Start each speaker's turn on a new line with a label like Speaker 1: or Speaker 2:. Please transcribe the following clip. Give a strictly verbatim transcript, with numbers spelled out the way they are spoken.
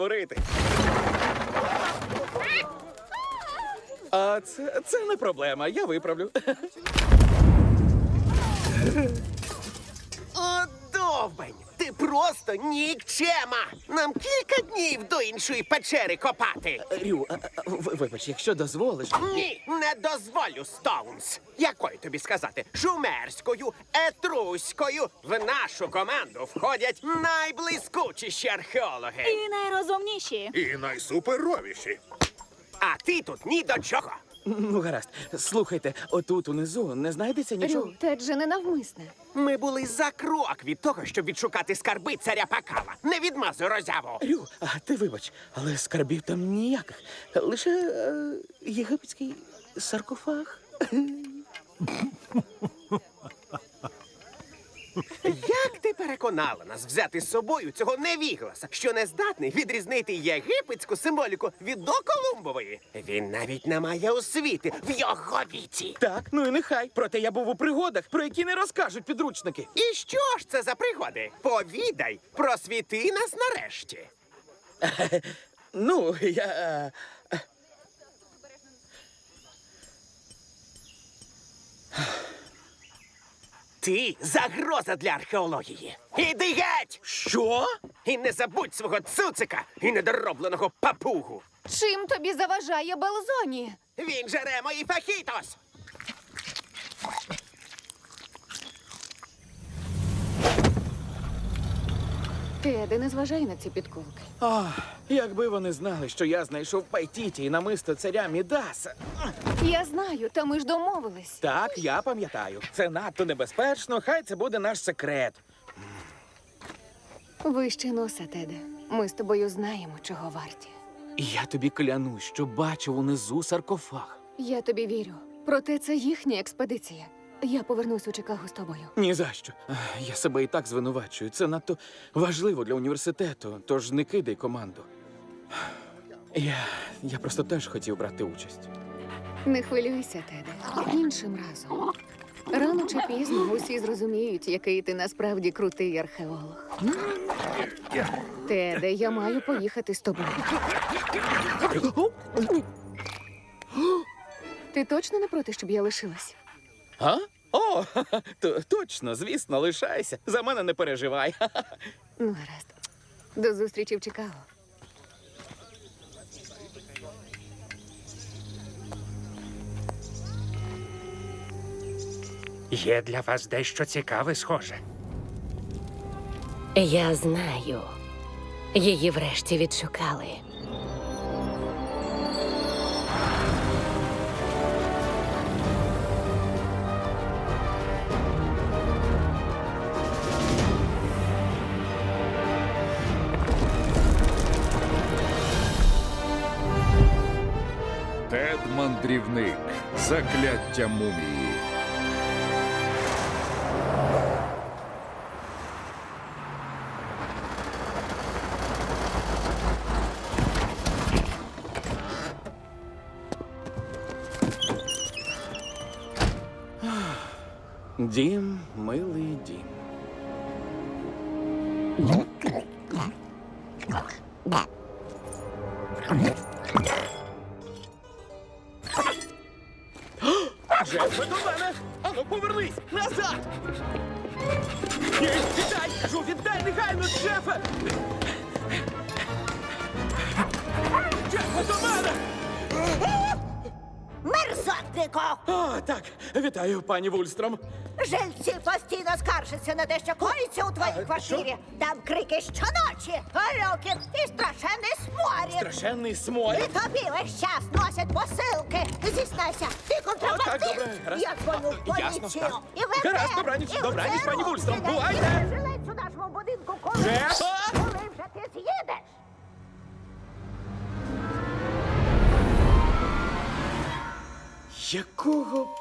Speaker 1: говорити. А це, це не проблема, я виправлю.
Speaker 2: О, довбень! Ти просто нікчема! Нам кілька днів до іншої печери копати.
Speaker 1: Рю, а, а, ви- вибач, якщо дозволиш.
Speaker 2: Ні, не дозволю, Стоунс. Якою тобі сказати? Шумерською, етруською. В нашу команду входять найблискучіші археологи.
Speaker 3: І найрозумніші.
Speaker 4: І найсуперовіші.
Speaker 2: А ти тут ні до чого.
Speaker 1: Ну, гаразд. Слухайте, отут унизу не знайдеться нічого.
Speaker 5: Рю, те же не навмисне.
Speaker 2: Ми були за крок від того, щоб відшукати скарби царя Пакала. Не відмазуй роззяву.
Speaker 1: Рю, а ти вибач, але скарбів там ніяких. Лише е, єгипетський саркофаг.
Speaker 2: Як ти переконала нас взяти з собою цього невігласа, що не здатний відрізнити єгипетську символіку від доколумбової? Він навіть не має освіти в його віці.
Speaker 1: Так, ну і нехай. Проте я був у пригодах, про які не розкажуть підручники.
Speaker 2: І що ж це за пригоди? Повідай, просвіти нас нарешті.
Speaker 1: Ну, я. е,
Speaker 2: Ти загроза для археології. Іди геть!
Speaker 1: Що?
Speaker 2: І не забудь свого цуцика і недоробленого папугу.
Speaker 5: Чим тобі заважає Белзоні?
Speaker 2: Він жере мої фахітос!
Speaker 5: Теде, не зважай на ці підколки.
Speaker 1: Ах, якби вони знали, що я знайшов Пайтіті і намисто царя Мідаса.
Speaker 5: Я знаю, та ми ж домовились.
Speaker 1: Так, я пам'ятаю. Це надто небезпечно, хай це буде наш секрет.
Speaker 5: Вище носа, Теде. Ми з тобою знаємо, чого варті.
Speaker 1: І я тобі клянусь, що бачив унизу саркофаг.
Speaker 5: Я тобі вірю. Проте це їхня експедиція. Я повернусь у Чикаго з тобою.
Speaker 1: Ні за що. Ах, я себе і так звинувачую. Це надто важливо для університету, тож не кидай команду. Я, я просто теж хотів брати участь.
Speaker 5: Не хвилюйся, Теде. Іншим разом. Рано чи пізно усі зрозуміють, який ти насправді крутий археолог. Теде, я маю поїхати з тобою. Ти точно не проти, щоб я лишилась?
Speaker 1: А? О, то, точно, звісно, лишайся. За мене не переживай.
Speaker 5: Ну, гаразд. До зустрічі в Чикаго.
Speaker 6: Є для вас дещо цікаве, схоже.
Speaker 7: Я знаю. Її врешті відшукали.
Speaker 4: Тед мандрівник. Закляття мумії.
Speaker 1: Дім, милий дім. Джефе, до мене! Ану, повернись! Назад! Ні, віддай! Кажу, віддай негайно, Джефе! Джефе, до мене!
Speaker 8: Мерзотнику!
Speaker 1: А, так, вітаю, пані Вульстром.
Speaker 8: Жильці постійно скаржаться на те, що коїться у твоїй квартирі. Там крики щоночі, горілки і страшенний сморід.
Speaker 1: Страшенний
Speaker 8: І
Speaker 1: сморід.
Speaker 8: тобі весь час носять посилки. Зізнайся, ти
Speaker 1: О, так,
Speaker 8: контрабандист.
Speaker 1: добре, гаразд.
Speaker 8: Я дзвоню в
Speaker 1: Ясно,
Speaker 8: поліцію.
Speaker 1: так.
Speaker 8: І в ефер,
Speaker 1: Гаразд, добраніч,
Speaker 8: і в
Speaker 1: добраніч, пані
Speaker 8: ЦРУ.
Speaker 1: Вульстром,
Speaker 8: Ти
Speaker 1: бувайте.
Speaker 8: знайдеш жилець у нашому будинку, коли,
Speaker 1: Джефа!
Speaker 8: коли вже ти з'їдеш.
Speaker 1: Якого